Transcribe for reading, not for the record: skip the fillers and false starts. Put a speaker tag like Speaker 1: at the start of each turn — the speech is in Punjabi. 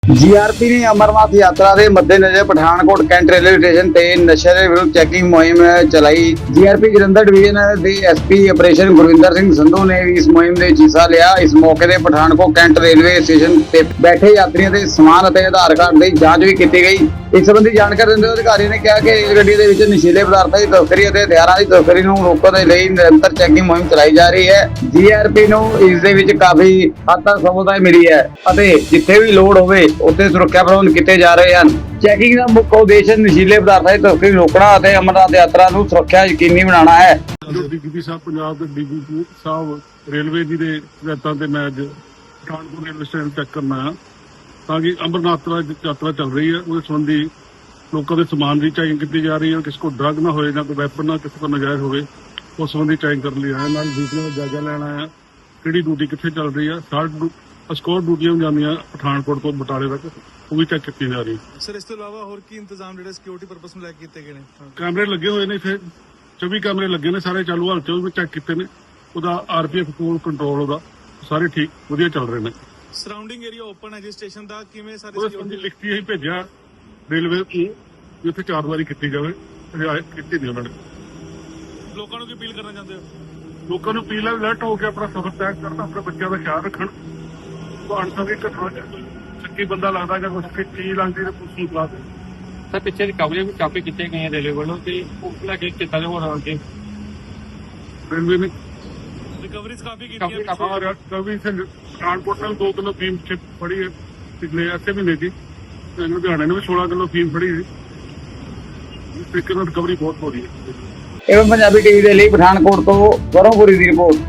Speaker 1: ਜੀਆਰਪੀ ਨੇ ਅਮਰਨਾਥ ਯਾਤਰਾ ਦੇ ਮੱਦੇਨਜ਼ਰ ਪਠਾਨਕੋਟ ਕੈਂਟ ਰੇਲਵੇ ਸਟੇਸ਼ਨ ਤੇ ਨਸ਼ੇ ਦੇ ਵਿਰੁੱਧ ਚੈਕਿੰਗ ਮੁਹਿੰਮ ਚਲਾਈ। ਜੀਆਰਪੀ ਜਲੰਧਰ ਡਿਵੀਜ਼ਨ ਦੇ ਐਸਪੀ ਆਪਰੇਸ਼ਨ ਗੁਰਵਿੰਦਰ ਸਿੰਘ ਸੰਧੂ ਨੇ ਵੀ ਇਸ ਮੁਹਿੰਮ ਦੇ ਹਿੱਸਾ ਲਿਆ। ਇਸ ਮੌਕੇ ਤੇ ਪਠਾਨਕੋਟ ਕੈਂਟ ਰੇਲਵੇ ਸਟੇਸ਼ਨ ਤੇ ਬੈਠੇ ਯਾਤਰੀਆਂ ਦੇ ਸਮਾਨ ਅਤੇ ਆਧਾਰ ਕਾਰਡ ਦੀ ਜਾਂਚ ਵੀ ਕੀਤੀ ਗਈ। ਇਸ ਸੰਬੰਧੀ ਜਾਣਕਾਰੀ ਦਿੰਦੇ ਹੋਏ ਅਧਿਕਾਰੀ ਨੇ ਕਿਹਾ ਕਿ ਇਸ ਗੱਡੀ ਦੇ ਵਿੱਚ ਨਸ਼ੀਲੇ ਪਦਾਰਥਾਂ ਦੀ ਤਸਕਰੀ ਅਤੇ ਹਥਿਆਰਾਂ ਦੀ ਤਸਕਰੀ ਨੂੰ ਰੋਕਣ ਦੇ ਲਈ ਨਿਰੰਤਰ ਚੈਕਿੰਗ ਮੁਹਿੰਮ ਚਲਾਈ ਜਾ ਰਹੀ ਹੈ। ਜੀਆਰਪੀ ਨੂੰ ਇਸ ਦੇ ਵਿੱਚ ਕਾਫੀ ਹੱਦ ਤੱਕ ਸਫਲਤਾ ਮਿਲੀ ਹੈ ਅਤੇ ਜਿੱਥੇ ਵੀ ਲੋੜ ਹੋਵੇ ਉੱਥੇ ਸੁਰੱਖਿਆ ਪ੍ਰਬੰਧ ਕੀਤੇ ਜਾ ਰਹੇ ਹਨ। ਚੈਕਿੰਗ ਦਾ ਮੁੱਖ ਉਦੇਸ਼ ਨਸ਼ੀਲੇ ਪਦਾਰਥਾਂ ਦੀ ਤਸਕਰੀ ਰੋਕਣਾ ਅਤੇ ਅਮਰਨਾਥ ਯਾਤਰਾ ਨੂੰ ਸੁਰੱਖਿਆ ਯਕੀਨੀ ਬਣਾਉਣਾ ਹੈ।
Speaker 2: ਡੀਜੀਪੀ ਸਾਹਿਬ ਪੰਜਾਬ ਦੇ ਡੀਜੀਪੀ ਸਾਹਿਬ ਰੇਲਵੇ ਜੀ ਦੇ ਹਦਾਇਤਾਂ ਤੇ ਮੈਂ ਅੱਜ ਪਠਾਨਕੋਟ ਰੇਲਵੇ ਸਟੇਸ਼ਨ ਚੈੱਕ ਕਰਨਾ ਆ ਤਾਂ ਕਿ ਅਮਰਨਾਥ ਯਾਤਰਾ ਚੱਲ ਰਹੀ ਹੈ ਉਹਦੇ ਸੰਬੰਧੀ ਲੋਕਾਂ ਦੇ ਸਮਾਨ ਦੀ ਚੈਕਿੰਗ ਕੀਤੀ ਜਾ ਰਹੀ ਹੈ। ਕਿਸੇ ਕੋਲ ਡਰੱਗ ਨਾ ਹੋਏ, ਨਾ ਕੋਈ ਵੈਪਨ ਨਾ ਕਿਸੇ ਕੋਲ ਨਜਾਇਜ਼ ਹੋਵੇ, ਉਸ ਸੰਬੰਧੀ ਚੈਕਿੰਗ ਕਰਨ ਲਈ ਆਇਆ। ਨਾਲ ਡਿਊਟੀਆਂ ਦਾ ਜਾਇਜ਼ਾ ਲੈਣ ਆਇਆ, ਕਿਹੜੀ ਡਿਊਟੀ ਕਿੱਥੇ ਚੱਲ ਰਹੀ ਆ। ਸਕੋਰ ਡਿਊਟੀਆਂ ਜਾਂਦੀਆਂ ਪਠਾਨਕੋਟ ਤੋਂ ਬਟਾਲੇ ਤੱਕ, ਉਹ ਵੀ ਚੈੱਕ ਕੀਤੀ ਜਾ ਰਹੀ ਹੈ।
Speaker 3: ਸਰ ਇਸ ਤੋਂ ਇਲਾਵਾ ਹੋਰ ਕੀ ਇੰਤਜ਼ਾਮ ਜਿਹੜੇ ਸਿਕਿਉਰਿਟੀ ਪਰਪਸ ਨੂੰ ਲੈ ਕੇ ਕੀਤੇ ਗਏ ਨੇ?
Speaker 2: ਕੈਮਰੇ ਲੱਗੇ ਹੋਏ ਨੇ, ਇੱਥੇ 24 ਕੈਮਰੇ ਲੱਗੇ ਨੇ, ਸਾਰੇ ਚਾਲੂ ਹਾਲਤ 'ਚ ਉਹ ਵੀ ਚੈੱਕ ਕੀਤੇ ਨੇ। ਉਹਦਾ ਆਰਪੀਐਫ ਕੋਲ ਕੰਟਰੋਲ ਉਹਦਾ ਸਾਰੇ ਠੀਕ ਵਧੀਆ ਚੱਲ ਰਹੇ ਨੇ।
Speaker 3: ਸਰਾਊਂਡਿੰਗ ਏਰੀਆ ਓਪਨ ਹੈ ਜੀ ਸਟੇਸ਼ਨ ਦਾ, ਕਿਵੇਂ ਸਾਰੇ
Speaker 2: ਉਹਦੇ ਸੰਬੰਧੀ ਲਿਖਤੀ ਅਸੀਂ ਭੇਜਿਆ ਰੇਲਵੇ ਨੂੰ ਵੀ ਉੱਥੇ 4 ਵਾਰੀ ਕੀਤੀ ਜਾਵੇ, ਕੀਤੀ ਨਹੀਂ ਉਹਨਾਂ ਨੇ।
Speaker 3: ਲੋਕਾਂ ਨੂੰ ਕੀ ਅਪੀਲ ਕਰਨਾ ਚਾਹੁੰਦੇ ਹੋ?
Speaker 2: ਲੋਕਾਂ ਨੂੰ ਅਪੀਲ ਹੈ ਅਲਰਟ ਹੋ ਕੇ ਆਪਣਾ ਸਫ਼ਰ ਤੈਅ ਕਰਨ, ਆਪਣੇ ਬੱਚਿਆਂ ਦਾ ਖਿਆਲ ਰੱਖਣ। ਅਣਸੰਭੀ ਘਟਨਾ ਸੱਚੀ ਬੰਦਾ ਲੱਗਦਾ ਜਾਂ ਕੁਝ ਚੀਜ਼ ਲੱਗਦੀ ਤਾਂ ਪੁਲਿਸ ਨੂੰ ਬੁਲਾ ਦੇ।
Speaker 4: ਸਰ ਪਿੱਛੇ ਰਿਕਵਰੀ ਵੀ ਕਾਫੀ ਕੀਤੀਆਂ ਗਈਆਂ ਰੇਲਵੇ ਵੱਲੋਂ ਤੇ ਉਸ ਲੈ ਕੇ ਕਿੱਦਾਂ ਦੇ ਹੋਰ ਅੱਗੇ
Speaker 2: ਰੇਲਵੇ ਨੇ
Speaker 3: ਰਿਕਵਰੀਜ਼ ਕਾਫੀ ਕੀਤੀਆਂ
Speaker 2: ਕਵੀ ਪਠਾਨਕੋਟ ਨਾਲ 2 ਕਿਲੋ ਫੀਮ ਫੜੀ ਹੈ ਪਿਛਲੇ ਅੱਧੇ ਮਹੀਨੇ ਦੀ। ਲੁਧਿਆਣੇ ਨੇ ਵੀ 16 ਕਿਲੋ ਫੀਮ ਫੜੀ ਸੀ। ਇਸ ਤਰੀਕੇ ਨਾਲ ਰਿਕਵਰੀ ਬਹੁਤ ਹੋ ਰਹੀ ਹੈ।
Speaker 1: ਇਹ ਪੰਜਾਬੀ ਟੀਵੀ ਦੇ ਲਈ ਪਠਾਨਕੋਟ ਤੋਂ ਵਰੋਂਪੁਰੀ ਦੀ ਰਿਪੋਰਟ।